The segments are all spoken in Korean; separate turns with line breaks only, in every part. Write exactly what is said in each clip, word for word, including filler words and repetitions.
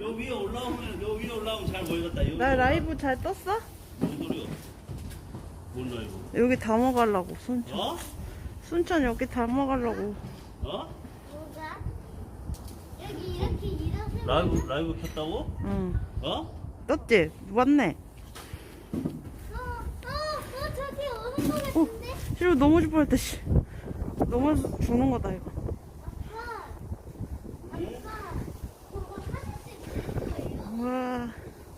요 위에 올라오면 요 위에 올라오면 잘 보이겠다. 여기
나 라이브 잘 떴어?
무슨 소리야? 뭔 라이브?
여기 담아가려고 순천.
어?
순천 여기 담아가려고.
어?
뭐가? 여기 이렇게 이렇게
라이브 라이브 켰다고?
응.
어?
떴지? 맞네.
어, 어, 어, 저기 오는 거
어,
같은데?
싫어 넘어질 뻔했다 씨. 넘어져 죽는 거다 이거.
아빠, 아빠, 그거 사진 찍는 거예요?
와.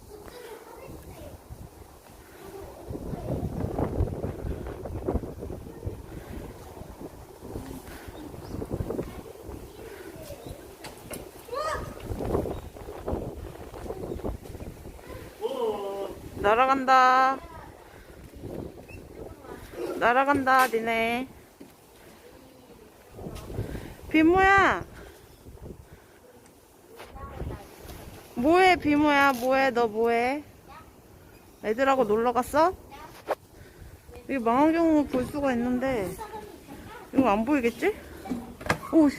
날아간다. 날아간다, 니네. 비모야. 뭐해, 비모야? 뭐해, 너 뭐해? 애들하고 놀러 갔어? 여기 망원경으로 볼 수가 있는데, 이거 안 보이겠지? 오씨.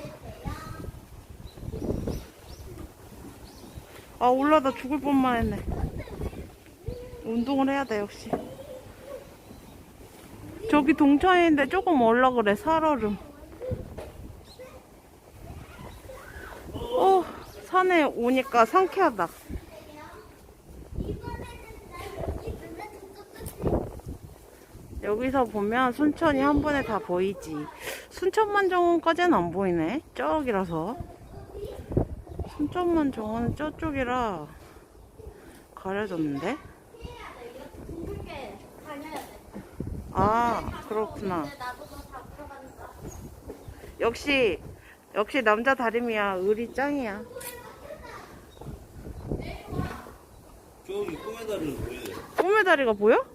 아, 올라다 죽을 뻔만 했네. 운동을 해야 돼, 역시. 저기 동천인데 조금 올라 그래, 살얼음. 어, 산에 오니까 상쾌하다. 여기서 보면 순천이 한 번에 다 보이지. 순천만정원까지는 안 보이네. 저기라서. 순천만정원은 저쪽이라 가려졌는데.
둥글게 다녀야 돼.
아, 그렇구나.
근데 나도 다 들어간다.
역시 역시 남자 다림이야. 의리 짱이야.
저기 꿈의 다리는 보여.
꿈의 다리가 보여?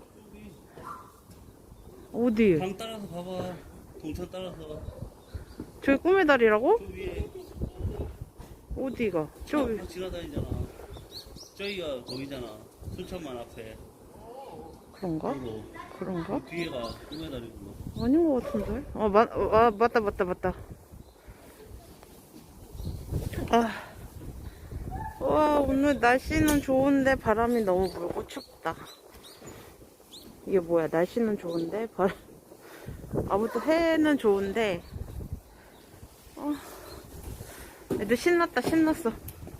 어디?
강 따라서 가봐. 동천 따라서.
저기 꿈의 다리라고?
저 위에
어디가? 저기.
막 지나다니잖아. 저기가 거기잖아. 순천만 앞에.
그런가?
그리고
그런가?
그 뒤에가 꿈의 다리고.
아닌 것 같은데? 아, 맞, 아, 맞다, 맞다, 맞다. 아. 와, 오늘 날씨는 좋은데 바람이 너무 불고 춥다. 이게 뭐야, 날씨는 좋은데, 바람. 아무튼 해는 좋은데, 어. 애들 신났다, 신났어.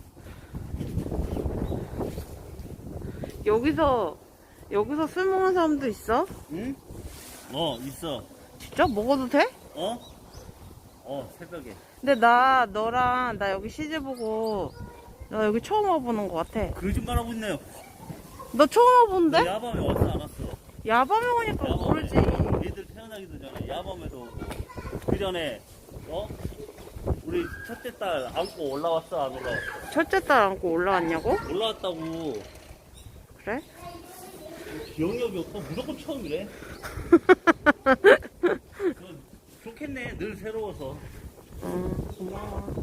여기서, 여기서 술 먹는 사람도 있어?
응? 어, 있어.
진짜? 먹어도 돼?
어? 어, 새벽에.
근데 나 너랑 나 여기 시집 보고 나 여기 처음 와보는 것 같아.
거짓말하고 있네요.
너 처음 와보는데?
야밤에 왔어, 안 왔어?
야밤에 오니까 모르지.
얘들 태어나기도 전에 야밤에도 오고. 그 전에, 어? 우리 첫째 딸 안고 올라왔어, 안 올라왔어?
첫째 딸 안고 올라왔냐고?
올라왔다고.
그래?
기억력이 없어. 무조건 처음이래. 좋겠네. 늘 새로워서.
어, 고마워.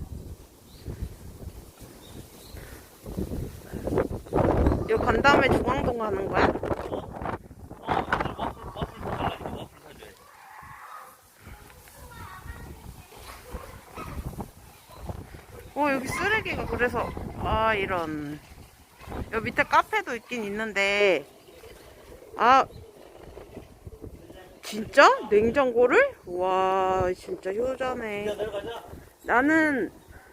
여기 간 다음에 중앙동 가는 거야?
어? 어, 와플, 와플 사달라니까. 와플 사줘야
어, 여기 쓰레기가 그래서 아 이런. 여기 밑에 카페도 있긴 있는데 아 진짜? 냉장고를? 와 진짜 효자네.
야, 내려가자.
나는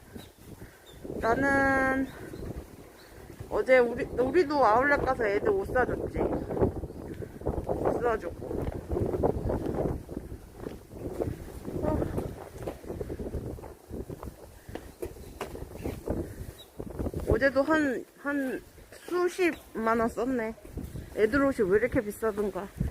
나는 어제 우리 우리도 아울렛 가서 애들 옷 사줬지. 옷 사주고. 어. 어제도 한 한 수십만 원 썼네. 애들 옷이 왜 이렇게 비싸던가.